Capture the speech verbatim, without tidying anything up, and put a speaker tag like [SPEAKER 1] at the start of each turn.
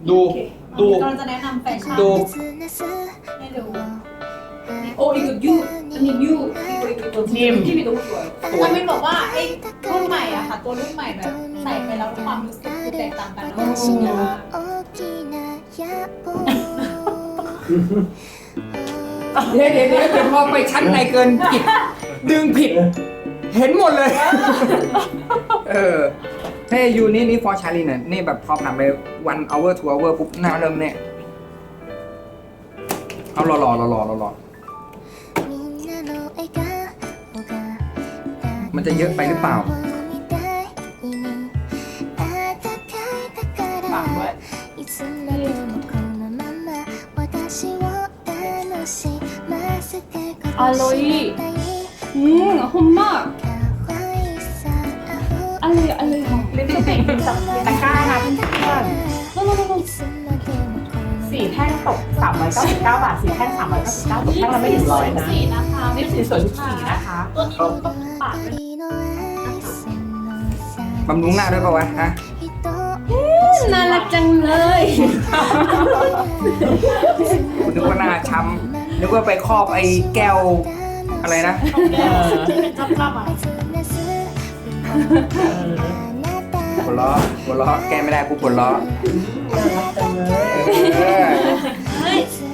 [SPEAKER 1] ดูดู
[SPEAKER 2] เราจะแนะนำแฟชั่น
[SPEAKER 1] ดู
[SPEAKER 2] ให้ดูโอ้ยกับยูอันนี้ยูนิ่มที่มีตัวสวยมันเป็นบอกว่าไอ้รุ่นใหม่อะค่ะตัวรุ่นใหม่แบบใส่ไปแล้วความรู้สึกคือแตกต่างกันนะ
[SPEAKER 1] เดี๋ยวเดี๋ยวเดี๋ยวเดี๋ยวพอไปชั้นในเกินผิดดึงผิด เห็นหมดเลย เออเฮ้ยยูนี่นี่ฟอร์ชาลีเนี่ยนี่แบบพอผ่านไป one hour two hour ปุ๊บหน้าเริ่มเนี่ยเอาหล่อหล่อหล่อหล่อหล่อหล่อมันจะเยอะไปหรือเปล่า
[SPEAKER 2] ฝากไว้
[SPEAKER 3] อร่อยอืมหอมมากอร่อยอร่อยหอม
[SPEAKER 4] ลิปสติกเป็นตะกร้านะเพื่อน
[SPEAKER 3] โน่โน่โน่
[SPEAKER 4] ๆสี่แท่งตกสามร้อยเก้าสิบเก้าบาทสี่แท่งสามร้อยเก้าสิบเก้าตกแท่งละไม่ถึงร้อยนะ
[SPEAKER 2] สีนะคะ
[SPEAKER 4] ลิปสติกสวยทุกสีนะคะ
[SPEAKER 2] ตัวนี้ก็ปากเป็น
[SPEAKER 1] บำรุงหน้าด้วยป่าวะฮะ
[SPEAKER 3] น่ารักจังเลย
[SPEAKER 1] นึกว่าหน้าช้ำนึกว่าไปครอบไอ้แก้วอะไรนะ
[SPEAKER 2] จับภาพอ่ะ
[SPEAKER 1] หัวล้อหัวล้อแก้ไม่ได้กูปวดล้อ
[SPEAKER 4] น่ารักจังเลย
[SPEAKER 1] เออ
[SPEAKER 3] เฮ้ย